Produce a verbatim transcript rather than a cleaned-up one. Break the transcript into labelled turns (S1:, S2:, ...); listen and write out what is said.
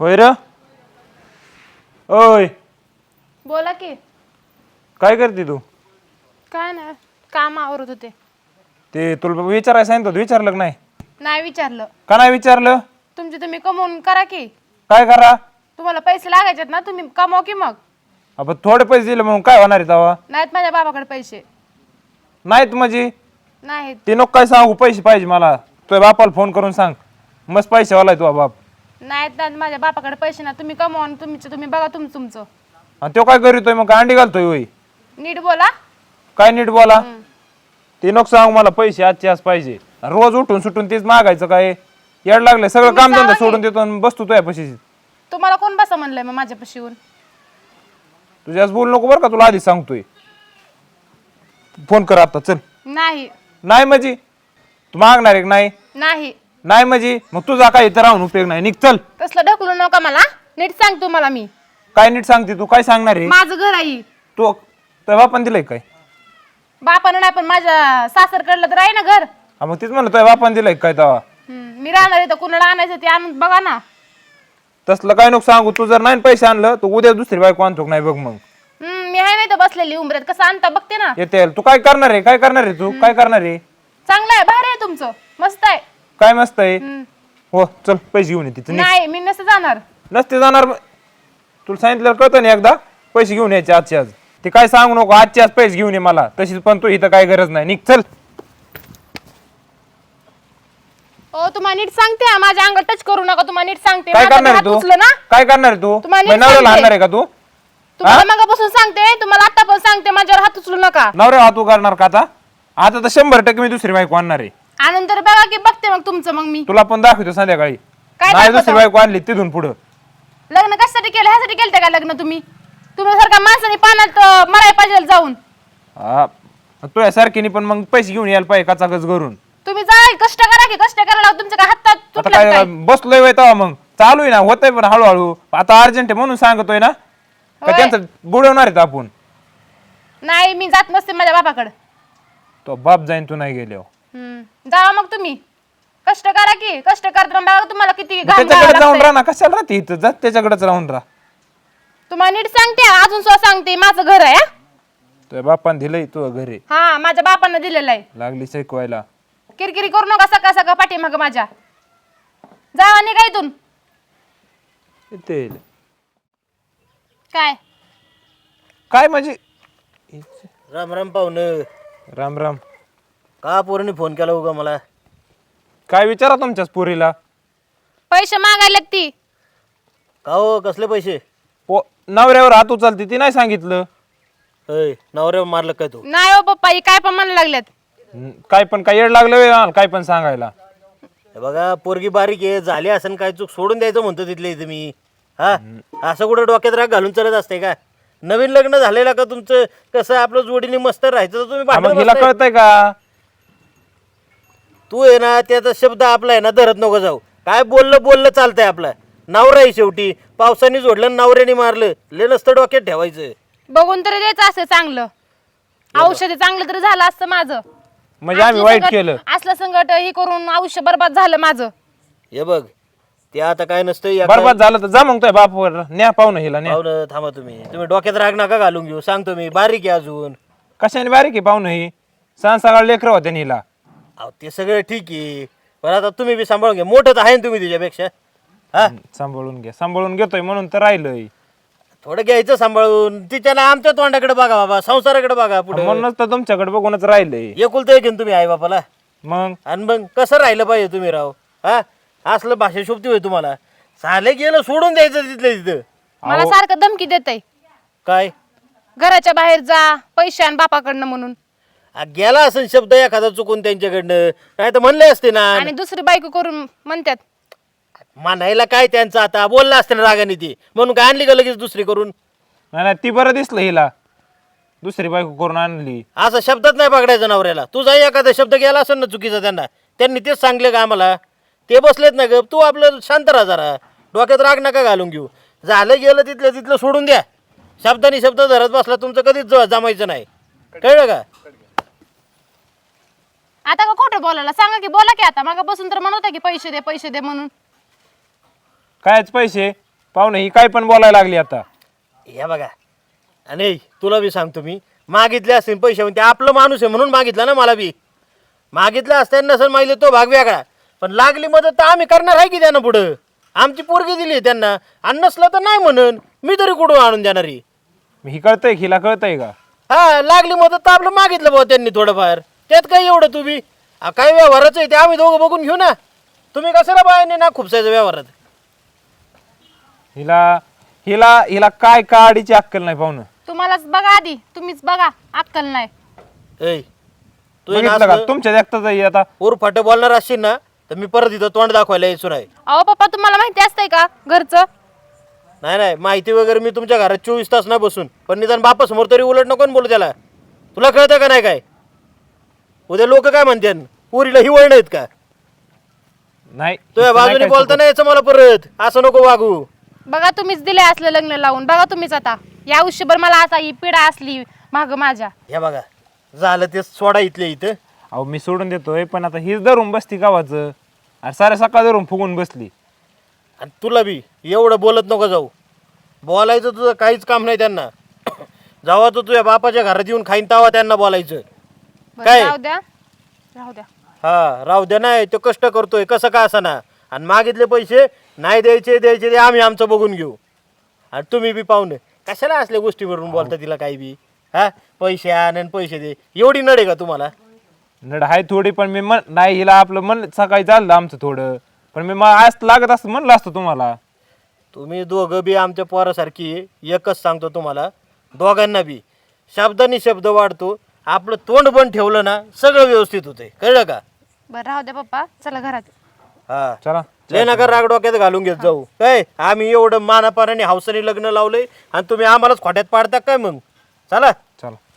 S1: होय र. ओय
S2: बोला की.
S1: काय करते तू?
S2: काय नाही, काम आवरत होते.
S1: ते तुला विचारायला सांगितलं होतं, विचारलं का नाही?
S2: नाही विचारलं.
S1: का नाही विचारलं?
S2: तुमचे तुम्ही कमवून करा की.
S1: काय करा?
S2: तुम्हाला पैसे लागायचेत ना, तुम्ही कमवा की मग.
S1: आपण थोडे पैसे दिले म्हणून काय होणार आहे तेव्हा?
S2: नाहीत माझ्या बाबाकडे पैसे.
S1: नाहीत म्हणजे
S2: नाहीत.
S1: ते नको काय सांगू, पैसे पाहिजे मला. तुझ्या बापाला फोन करून सांग, मस्त पैसे वालाय तुझा बाप.
S2: नाहीत नाहीत माझ्या बापाकडे पैसे ना, तुम्ही कमवा आणि तुमचं तुम्ही बघा तुम तुमचं.
S1: आणि तो काय करीतोय मग? अंडी घालतोय होय?
S2: नीट बोला.
S1: काय नीट बोला? ते नको सांगू मला, पैसे आजचे आज पाहिजे. रोज उठून सुटून तेच मागायचं काय? येड लागलंय, सगळं
S2: तुम्ही
S1: काम धंदा
S2: सांगा
S1: सोडून देतो आणि बसतो तुझ्या पैसे.
S2: तुम्हाला कोण बसा म्हणलंय मग माझ्यापाशी येऊन?
S1: तुझ्याच बोल नको बरं का, तुला आधी सांगतोय. फोन कर आता, चल.
S2: नाही.
S1: नाही म्हणजे तू मागणार आहे का नाही?
S2: नाही.
S1: नाही म्हणजे मग तुझा काय इथं राहून उपयोग नाही, निघ चल.
S2: तसलं ढकलू नका मला, नीट सांग तुम्हाला मी.
S1: काय नीट सांगते तू? काय सांगणार आहे?
S2: माझं घर आहे.
S1: तू तुझ्या बापान दिलंय काय?
S2: बापानं नाही पण माझ्या सासरकडलं तर आहे ना घर.
S1: हा मग तीच म्हणलं, तुझ्या बापान दिलंय काय तेव्हा?
S2: हम्म, मी राहणार आहे तर कुणाला आणायचं ते आणून बघा ना.
S1: तसलं काय नको सांगू. तू जर नाही पैसे आणलं तर उद्या दुसरी बायको आणतो नाही बघ. मग
S2: हम्म, मी आहे नाही तर बसलेली उंबऱ्यात, कसं आणता बघते ना.
S1: येते. तू काय करणार आहे? काय करणार आहे तू? काय करणार आहे?
S2: चांगलं आहे, भारी आहे तुमचं, मस्त आहे.
S1: काय मस्त आहे?
S2: हम्म.
S1: हो चल, पैसे घेऊन ये तिथं.
S2: नाही मी नसते जाणार.
S1: नसते जाणार मग? तुला सांगितलं कळतं ना एकदा, पैसे घेऊन यायचे आजचे आज. ते काय सांगू नको, आजचे आज पैसे घेऊन ये मला. तशीच पण तू इथं काय गरज नाही, निघ चल.
S2: ओ तुम्हाला नीट सांगते हा, माझ्या अंगात टच करू नका. तुम्हाला नीट सांगते,
S1: काय
S2: माझा
S1: करणार
S2: हात
S1: आहे तू?
S2: उचलं ना.
S1: काय करणार आहे तू?
S2: तुम्हाला नीट
S1: नवऱ्याला
S2: सांगते.
S1: आणणार आहे का तू?
S2: तुम्हाला मगापासून सांगते, तुम्हाला आता पण सांगते, माझ्यावर हात उचलू नका.
S1: नवऱ्या हात उगारणार का आता? आता तर शंभर टक्के मी दुसरी बायको आणणार आहे.
S2: आणून तर बघा की, बघते मग तुमचं. मग मी
S1: तुला पण दाखवतो संध्याकाळी.
S2: काय
S1: नाही
S2: दाखवतो?
S1: दुसरी बायको आणली तिथून पुढं.
S2: लग्न कशासाठी केलं? ह्यासाठी केलं का लग्न तुम्ही? तुम्ही सारखा माणसाने पाण्यात अं, मराय पाहिजे जाऊन.
S1: हा तुझ्या सारखीने पण मग पैसे घेऊन यायला पाहिजे कचाकच करून.
S2: तुम्ही जा कष्ट करा की, कष्ट करायला तुमच्या काय हातात
S1: आता
S2: तुटलं
S1: काय
S2: काय?
S1: बसलोय वय तेव्हा मग चालू आहे ना, होतंय पण हळूहळू. आता अर्जंट आहे म्हणून सांगतोय ना. का
S2: होय.
S1: त्यांचं बुडवणार आहेत आपण?
S2: नाही मी जात नसते माझ्या बापाकडे.
S1: तो बाप जाईन तू नाही गेल्यावर.
S2: हम्म, जावा मग तुम्ही. कष्ट करा की, कष्ट करताना बघा तुम्हाला किती घाम
S1: त्याच्याकडे
S2: घालावं
S1: जाऊन
S2: लागतंय.
S1: राहा ना, कशाला राहते इथं? जात त्याच्याकडेच राहून राहा.
S2: तुम्हाला नीट सांगते, अजून सुद्धा सांगते, माझं घर आहे हा.
S1: तुझ्या बापान दिलंय तू घरी,
S2: हा माझ्या बापानं दिलेलं आहे.
S1: लागली शिकवायला.
S2: किरकिरी करू नका सकाळ सकाळ पाठीमागं माझ्या. जावा निघा इथून.
S1: येते.
S2: काय
S1: काय म्हणजे?
S3: राम राम पाहुणं.
S1: राम राम.
S3: का पोरांनी फोन केला उगा मला?
S1: काय विचारा तुमच्याच पुरीला.
S2: पैसे मागायला ती?
S3: का हो, कसले पैसे?
S1: पो नवऱ्यावर हात उचलते ती नाही सांगितलं.
S3: अय नवऱ्या मारलं काय तू?
S2: नाही हो पप्पा, ही काय पण म्हणायला लागल्यात.
S1: हं, काय पण काय येड लागलं व्हय मला काय पण सांगायला.
S3: हे बघा पोरगी बारीक आहे, झाली असेल काय चूक सोडून द्यायचं म्हणतो तिथले इथे मी. हा असं कुठं डोक्यात राग घालून चालत असते का? नवीन लग्न झालेलं का तुमचं? कसं आपलं जोडीने मस्त राहायचं तर तुम्ही
S1: हा,
S3: भांडण
S1: मग हिला
S3: बसताय.
S1: कळतंय का?
S3: तू आहे ना त्याचा शब्द आपला आहे ना धरत नको जाऊ. काय बोललं बोललं चालतंय आपलं. नवरा आहे शेवटी. पावसाने जोडलं नवऱ्याने मारलं, ले नसतं डोक्यात ठेवायचं.
S2: बघून तरी द्यायचं असं चांगलं औषध, चांगलं तरी झालं असतं माझं.
S1: म्हणजे आम्ही
S2: असलं
S1: वाईट
S2: संकट-
S1: केलं.
S2: असलं संकट हे करून आयुष्य बरबाद झालं माझं.
S3: हे बघ ते आता काय नसतं या
S1: बरबाद झालं तर जा मग तुझ्या बापावर न्या पाहुणं हिला न्या.
S3: पाहुणं थांबा तुम्ही. तुम्ही डोक्यात राग नका घालून घेऊ. सांगतो मी बारीक आहे अजून.
S1: कशाने बारीक आहे पाहुणं ही? सहा सकाळ लेकर होते हिला.
S3: अहो ते सगळं ठीक आहे, पण आता तुम्ही बी सांभाळून घ्या. मोठं तर आहे ना तुम्ही तिच्यापेक्षा. हा
S1: सांभाळून घ्या. सांभाळून घेतोय म्हणून तर राहिलंय.
S3: थोडं घ्यायचं सांभाळून. तिच्याला आमच्या तोंडाकडे बघा बाबा, संसाराकडे बघा पुढे.
S1: म्हणूनच तर तुमच्याकडे बघूनच राहिलंय.
S3: एकुलतं एक आहे ना तुम्ही आई बापाला.
S1: मग
S3: आणि मग कसं राहिलं पाहिजे तुम्ही राव? हा असलं भाषा शोभती होय तुम्हाला? साले गेलं सोडून द्यायचं तिथलं तिथं.
S2: मला सारखं धमकी देतय,
S3: काय
S2: घराच्या बाहेर जा, पैसे आण बापाकडनं म्हणून.
S3: आ, गेला असेल शब्द एखादा चुकून त्यांच्याकडनं, नाही तर म्हणले असते ना.
S2: आणि दुसरी बायको करून म्हणतात.
S3: म्हणायला काय त्यांचं आता? बोलला असते ना रागाने ती, म्हणून काय आणली का लगेच दुसरी करून?
S1: नाही नाही, ती बरं दिसलं हिला, दुसरी बायको करून आणली.
S3: असं शब्दात नाही पकडायचं नवऱ्याला. तुझा एखादा शब्द गेला असेल ना चुकीचा त्यांना, त्यांनी तेच सांगले का आम्हाला? ते बसलेत ना ग. तू आपलं शांत राहा जरा, डोक्यात राग नका घालून घेऊ. झालं गेलं तिथलं तिथलं सोडून द्या. शब्दानी शब्द धरत बसला तुमचं कधीच ज- जमायचं नाही. कळलं का?
S2: आता का खोटं बोलायला सांगा की, बोला की आता. मग बसून तर म्हणत होता की पैसे दे पैसे दे म्हणून.
S1: कायच पैसे? पाहुणे ही काय पण बोलायला लागली आता.
S3: या बघा आणि तुला बी सांगतो मी मागितले असतील पैसे ते आपलं माणूस आहे म्हणून मागितलं ना मला बी. मागितलं असताना नसेल मागितलं तो भाग वेगळा पण लागली मदत तर आम्ही करणार आहे की त्यांना पुढं. आमची पोरगी दिली त्यांना आणि नसलं तर नाही म्हणून मी तरी कुठून आणून देणार आहे.
S1: ही कळतंय हिला कळतंय का?
S3: हा लागली मदत तर आपलं मागितलं भाऊ त्यांनी थोडंफार त्यात काय एवढं तुम्ही आ, काय व्यवहाराचं आहे ते आम्ही दोघं बघून घेऊ ना. तुम्ही कशाला बायाने ना खुपसायचं व्यवहारात.
S1: हिला हिला हिला काय काडीची अक्कल नाही पाहुणं.
S2: तुम्हालाच बघा आधी, तुम्हीच बघा, अक्कल नाही.
S3: ऐ तू
S1: बघितलं का तुमच्या देखताच आहे आता.
S3: ओर फाटे बोलणार असशील ना तर मी परत इथं तोंड दाखवायला यायचो नाही.
S2: अहो पप्पा तुम्हाला माहिती असतंय का घरचं?
S3: नाही नाही माहिती वगैरे मी तुमच्या घरात चोवीस तास नाही बसून पण निदान बापा समोर तरी उलट नको ना बोलू त्याला. तुला कळतं का नाही काय? उद्या लोक काय म्हणते पुरीला हिवळ नाहीत का?
S1: नाही
S3: तुझ्या बाजूने बोलता नाही यायचं मला परत असं नको वागू.
S2: बघा तुम्हीच दिले असलं लग्न लावून. बघा तुम्हीच आता या आयुष्यभर मला असा ही पिढा असली माग माझ्या.
S3: हे बघा झालं ते सोडा इथले इथं.
S1: अहो मी सोडून देतोय पण आता हीच धरून बसती गावाचं आणि साऱ्या सकाळ धरून फुगून बसली.
S3: आणि तुला बी एवढं बोलत नको जाऊ. बोलायचं तुझं काहीच काम नाही त्यांना. जेव्हा तू तुझ्या बापाच्या घरात येऊन खाईन तेव्हा त्यांना बोलायचं.
S2: बरं,
S3: काय?
S2: राहू द्या राहू द्या.
S3: हा राहू द्या नाही तो कष्ट करतोय कसं का असं ना. आणि मागितले पैसे नाही द्यायचे द्यायचे ते आम्ही आमचं बघून घेऊ. आणि तुम्ही बी पाहुणे कशाला असल्या गोष्टीवरून बोलता तिला काही बी. हा पैसे आण आणि पैसे दे एवढी नडे का तुम्हाला?
S1: नड हाय थोडी पण मी मन नाही हिला आपलं मन सकाळी चाललं आमचं थोडं पण मी मला आज लागत असतं म्हणलं असतं तुम्हाला.
S3: तुम्ही दोघं बी आमच्या पोरासारखी आहे. एकच सांगतो तुम्हाला दोघांना बी शब्दानी शब्द वाढतो. आपलं तोंड बंद ठेवलं ना सगळं व्यवस्थित होते. कळलं का?
S2: बरं राहू द्या पप्पा, चला घरात.
S3: हा
S1: चला
S3: लय नका राग डोक्यात घालून घेत जाऊ. काय आम्ही एवढं मानापानाने हौसाने लग्न लावलंय आणि तुम्ही आम्हालाच खोट्यात पाडता काय मग? चला
S1: चला.